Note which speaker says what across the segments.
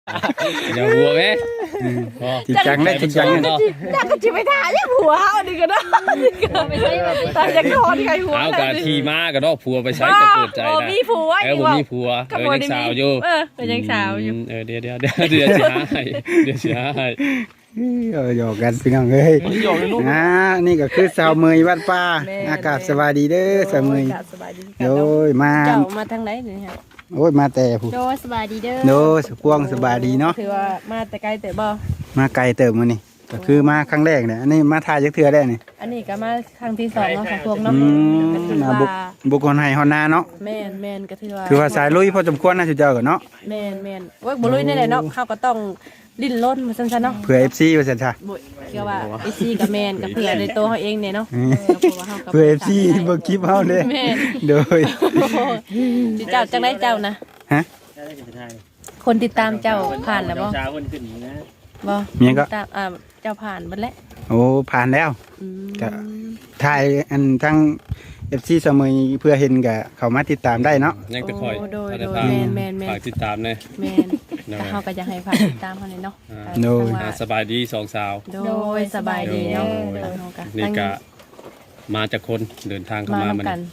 Speaker 1: อย่าหัวไหม
Speaker 2: จริงจังเลยจริงจังเลย
Speaker 3: อยากก็จะไปถ่ายยังหัวเอาดิกันเนาะไม่ใช่ตายจากคอที่ใครหัว
Speaker 1: เอากะทีมากระดอกผัวไปใช้จะเปิดใจนะ
Speaker 3: มีผัว
Speaker 1: ผมมีผัวยังสาวอยู่
Speaker 3: ยังสาวอยู่
Speaker 1: เดี๋ยวเสียให้เดี๋ยวเสียให้
Speaker 2: หยอกกันพี่น้องเอ้ยนี่ก็คือสาวเมยวัดป่าอากาศสบายดีเด้อสาวเมยโดยมา
Speaker 3: เจ้ามาทางไหนนี่ฮะ
Speaker 2: โอ้ยมาแต่ผู้
Speaker 3: โดสบายดีเด้อ
Speaker 2: โดยสควงสบายดีเนาะ
Speaker 3: ถือว่ามาแต่ไกลแต่บ่
Speaker 2: มาไกลเติมมานี่ก็คือมาครั้งแรกเนี่ยอันนี้มาทายจักเทื่อได้นี่
Speaker 3: อันนี้ก็มาครั้งที่2เนาะสะพวงเนาะ
Speaker 2: มาบุกคนให้ฮอนนาเนาะ
Speaker 3: แม่นก็ถือว่า
Speaker 2: คือว่าสายลุยพอสมควรนะจุเจ้าก็เนาะ
Speaker 3: แม่นว่าบ่ลุยแน่ๆเนาะเขาก็ต้องลิ้นล้นมาซั่นๆเนาะ
Speaker 2: เพื่อ FC ว่าซั่นซะ
Speaker 3: บ่เกี่ยวว่าไอซีกับแม่นกับเพื่อในตัวเขาเองเนี่ยเนาะ
Speaker 2: เพื่อ FC เบิ่งคลิปเฮาเด้
Speaker 3: แม่น
Speaker 2: โดย
Speaker 3: สิเจ้าจังได๋เจ้านะ
Speaker 2: ฮะ
Speaker 3: คนติดตามเจ้าผ่านแล้วบ่
Speaker 4: เช้าคนขึ้นนะ
Speaker 3: บ่
Speaker 2: เมียก็
Speaker 3: ติดตามเจ้าผ่านเบิดแล้ว
Speaker 2: โอ้ผ่านแล้ว ก็ ถ่ายอันทั้ง FC เสมอเพื่อเห็นก็เข้ามาติดตามได้เนาะ
Speaker 1: ยังจะคอย
Speaker 3: โดย แม่น
Speaker 1: ฝากติดตามเลย
Speaker 3: แม่นแต่เฮาก็อยากให้ผ่านติดตามเฮาเลยเนาะ
Speaker 1: สบายดีสองสาว
Speaker 3: โดยสบายดีเนาะ
Speaker 1: นี่ก็มาจากคนเดินทางเข้า
Speaker 3: มา
Speaker 1: มา
Speaker 3: นํ
Speaker 1: มัน
Speaker 3: กัน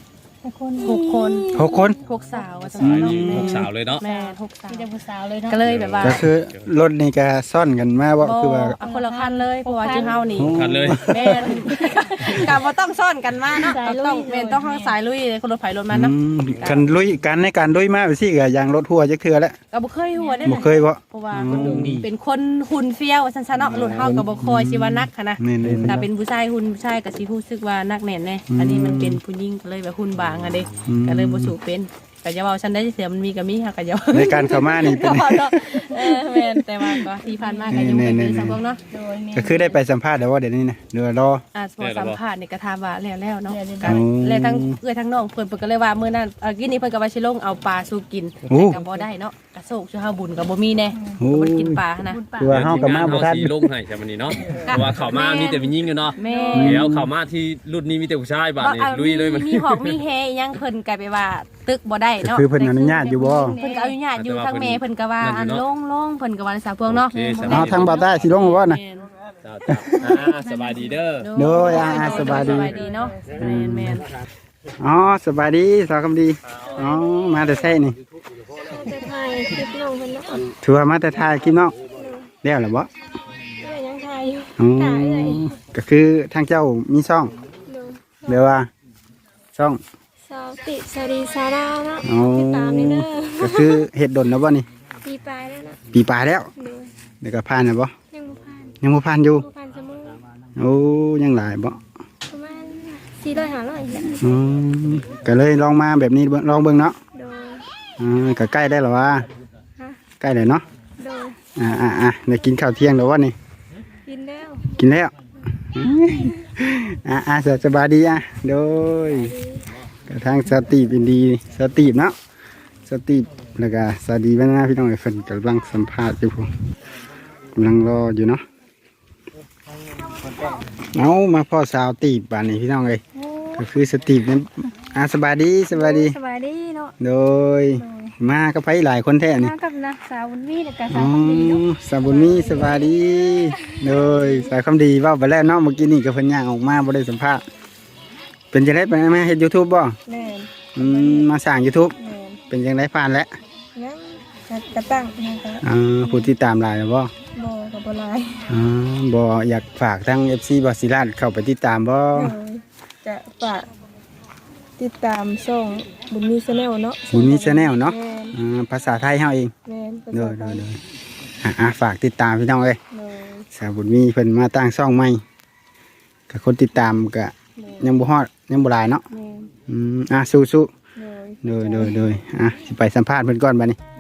Speaker 3: 6 คน
Speaker 2: 6 คน
Speaker 3: 6 สาวว่าซั่
Speaker 1: สาย
Speaker 3: น
Speaker 1: ดี
Speaker 3: เนาะ
Speaker 1: หกสาวเลยเนาะ
Speaker 3: แม่6 สาว
Speaker 5: มีแต่ผู้สาวเลยเนาะ
Speaker 3: ก็เลยแบบว่า
Speaker 2: ก็คือรถนี่ก็ซ่อนกันมาว่าคือว่า
Speaker 3: เอาคนละคันเลยเพราะว่าชื่อเฮานี่
Speaker 1: คันเลย
Speaker 3: แม่นกับว่าต้องซ่อนกันมาเนาะต้องแม่นต้องข้างสายลุยเลยคนรถไฟรถมันเนาะ
Speaker 2: กันลุยกันในการลุยมาไปสิก็อย่างรถหัวจักเทื่อแล้ว
Speaker 3: ก็บ่เคยหัวได้
Speaker 2: บ่เคยบ่
Speaker 3: เพราะว่าเป็นคนหุ่นเฟี้ยวซั่นๆเนาะรถเฮาก็บ่คอยสิว่านักค่ะนะ
Speaker 2: นี่ๆ
Speaker 3: ถ้าเป็นผู้ชายหุ่นผู้ชายก็สิรู้สึกว่านักแน่นแน่อันนี้มันเป็นผู้หญิงก็เลยแบบหุ่นบางอ่ะเด้ก็เลยบ่สู้เป็นก็อย่าเว้าฉันได้เสียมันมีก็มีค่ะก็อย่า
Speaker 2: ในการเข้ามานี่เป็น
Speaker 3: แม่นแต่ว่าก็ที่ผ่านมาก็ยังบ่ได้สักพวกเนาะ
Speaker 5: โดยแม่
Speaker 2: ก็คือได้ไปสัมภาษณ์แล้วว่าเดี๋ยวนี้นะเดี๋ยวรอ
Speaker 3: พอสัมภาษณ์นี่ก็ถามว่าแล้วเนาะ
Speaker 2: อืม
Speaker 3: แล้วทั้งทั้งน้องเพิ่นก็เลยว่ามื้อนั้นกินนี้เพิ่นก็ว่าสิลงเอาปลาสู่กิน
Speaker 2: โอ้
Speaker 3: แต่ก็บ่ได้เนาะกระโศกชื่อเฮาบุญก็บ่มีแน่
Speaker 2: โอ้
Speaker 3: บ่ได้กินปลานะ
Speaker 2: คือว่าเฮากับมาบ่ทัน
Speaker 1: สีลงให้แต่วันนี้เนาะเพราะว่าเขามามีแต่ผู้หญิงอยู่เนาะ
Speaker 3: แม่
Speaker 1: เดี๋ยวเขามาที่รุ่นนี้มีแต่ผู้ชายบาดนี้ลุยเลยมัน
Speaker 3: มีหอกมีแฮยังเพิ่นก็ไปว่าตึกบ่ได้
Speaker 2: ก็
Speaker 3: เนาะ
Speaker 2: คือเพิ่นอนุญาตอยู่บ่
Speaker 3: เพิ่นก็อนุญาตอยู่ทางแม่เพิ่นก็ว่าอันลงเพิ่นก็ว่าสาวพวงเนาะ
Speaker 2: เอาทางบ่าวใต้สิลงบ่นะ
Speaker 1: สบายดีเด้อ
Speaker 2: โดยสบายดี
Speaker 3: สบายดีเนาะแม่น
Speaker 2: อ๋อสบายดีสาวคำดีอ๋อมาแต่ไสนี่
Speaker 5: แต่ไทยคลิปน้องเพิ่นเนาะ
Speaker 2: ถือว่ามาแต่ถ่ายคลิปเนาะแล้วล่ะบ่
Speaker 5: เอ้ยยังไทยอยู่
Speaker 2: อ๋อก็คือทางเจ้ามีช่อง
Speaker 5: โดย
Speaker 2: เรียกว่าช่อง
Speaker 5: สาวติสรีสาราเนาะ
Speaker 2: อ๋อ
Speaker 5: ติดตามนี่เด้อ
Speaker 2: ก็คือเฮ็ดดนแล้วบ่นี่
Speaker 5: ปีปลายแล้วเนาะ
Speaker 2: ปีปลายแล้ว
Speaker 5: โดย
Speaker 2: เดี๋ยวก็ผ่านแล้วบ่
Speaker 5: ยังบ่ผ่าน
Speaker 2: ยังบ่ผ่านอยู่
Speaker 5: บ่ผ่านเสมอ
Speaker 2: โอ้ยังหลายบ่
Speaker 5: ประมาณ400-500แหละ
Speaker 2: อืมก็เลยลองมาแบบนี้ลองเบิ่งเนาะ
Speaker 5: โดย
Speaker 2: ก็ใกล้ได้แล้วว่า
Speaker 5: ฮะ
Speaker 2: ใกล้เลยเนาะ
Speaker 5: โดย
Speaker 2: ได้กินข้าวเที่ยงแล้ววะนี่
Speaker 5: กินแล้ว
Speaker 2: กินแล้วสบายดีโดยกระทั่งสตีบอินดีสตีบเนาะสตีบแล้วก็สวัสดีแม่นะพี่น้องไอ้เฟินกำลังสัมภาษณ์อยู่ผมกำลังรออยู่เนาะเอามาพ่อสาวตีบบ้านนี้พี่น้องเลยก็คือสตีบนั้นสบายดีสบายดี
Speaker 5: สบายดีเนาะ
Speaker 2: โดยมาก็ไปหลายคนแท้นี่
Speaker 5: มากับนะสาวบุญมีแล้วก็
Speaker 2: อ๋
Speaker 5: สา
Speaker 2: อ
Speaker 5: วคำดีเนาะ
Speaker 2: สาวบุญมีสบายดีโดยสายความดีเว่าไปแล้วเนาะเมื่อกี้นี่ก็เพิ่นย่างออกมาบ่ได้สัมภาษณ์เป็นจังได๋ไปมาเฮ็ด YouTube บ่
Speaker 5: แม่น
Speaker 2: มาสร้าง YouTube
Speaker 5: แม่น
Speaker 2: เป็นจังได๋ผ่านแล้ว
Speaker 5: ยังกระตั้งนะคะ
Speaker 2: ผู้ติดตามหลายแล้วบ่
Speaker 5: บ่ก็บ่หลาย
Speaker 2: บ่อยากฝากทั้ง FC บ่ศิลาดเข้าไปติดตามบ่
Speaker 5: จะฝากติดตามช่องบุญมีชาแนลเนาะ
Speaker 2: บุญมี Channel เนาะ
Speaker 5: แม่น
Speaker 2: ภาษาไทยเฮาเอง
Speaker 5: แม่น
Speaker 2: โดยฝากติดตามพี่น้องเอ้ย
Speaker 5: โดย
Speaker 2: สาวบุญมีเพิ่นมาตั้งช่องใหม่ก็คนติดตามก็ยังบ่ฮอดยังบ่หลายเนาะ
Speaker 5: แม่น
Speaker 2: สู้
Speaker 5: โดย
Speaker 2: ๆโดยสิไปสัมภาษณ์เพิ่นก่อนบัดนี้